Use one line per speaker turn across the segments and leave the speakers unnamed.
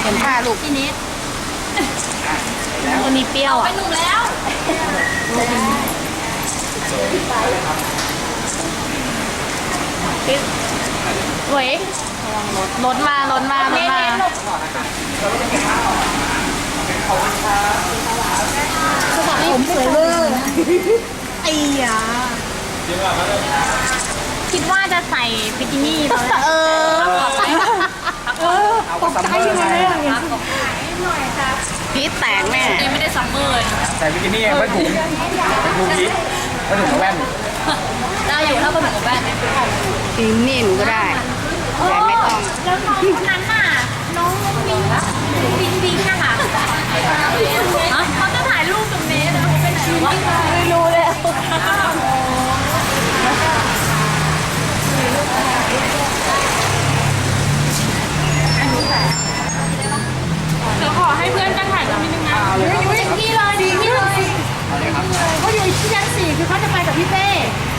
เห็นท่าลูก
พี่นิด
คนนี้เปรี้ยว
ไป
อ่ะ
หนุ่มแล้ว
ปิ๊บเว้ยรถมารถมารถมาผมสวยเวอร์ไอ้ยา
คิดว่าจะใส่บิกินี่ตอนแรก
ตกใจยังไงเนี่ยพีทแตกแม่
นี่ไม่ได้ซัมเมอร์เลย
ใส่บิกินี่ผ้าถุงพีทผ้าถุงแว่น
ได้อยู่ถ้าเป็นหนูกับแว่น
จริงนี่หนูก็ได้แต่ไม่ต้อง
แล้วน้องคนนั้นน่ะน้องบิงอะค่ะเขาจะถ่ายรูปตรงนี้แล้วเขาไปไหนวะ
ไม่รู้เลย
เดี๋ยวขอให้เพื่อนกันถ่ายรูปนิดนึงนะพี่เลยดีพี่เลยเขาอยู่ที่ชั้น4คือเขาจะไปกับพี่เป้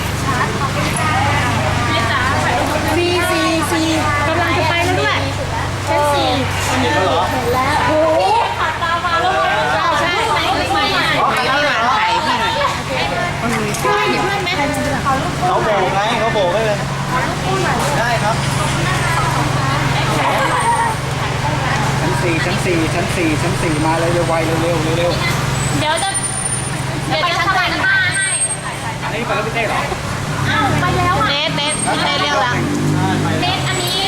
พี่จ๋าถ่ายรูปซีกำลังจะไปแล้วด้วยชั้น4
เห็นแล้วเหรอ
โอ้โหขาดตามาแล้วใช่ไหมไม่ใช่
ไอ้พี่หวานไข่พี่หน่อย
ใช่เพื่อนไหม
เขาโบกไงเขาโบกให้เลยได้ครับชั้นสี่มาเลยเร็วไวเร็ว
เดี๋ยวจะสมัครมาให้
อันนี้ไปแล้วพี่เต้เหรอ
อ้าวไปแล้วอ่ะ
เน็ตเรียกแล้ว
เน็ตอันนี้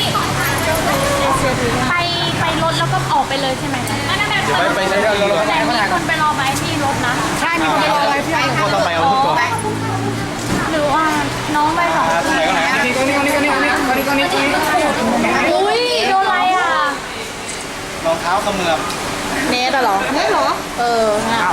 ไปรถแล้วก็ออกไปเลยใช่ไหมนั่นแบบ
เดี๋ยวไปใช้เรือ
แต่มีคนไปรอไว้ที่รถนะ
ใช่มีคนรอไว้พี่
คนต้องไปเอาทุกตัว
หรือว่าน้องไปสอง
ไหนก็ไหนนี่ก็นี่
อุ้ยโดนอะไรอ่ะ
รองเท้าเขมือบ
เน็ตเหรอเน็ตเหรอเออ
เท้า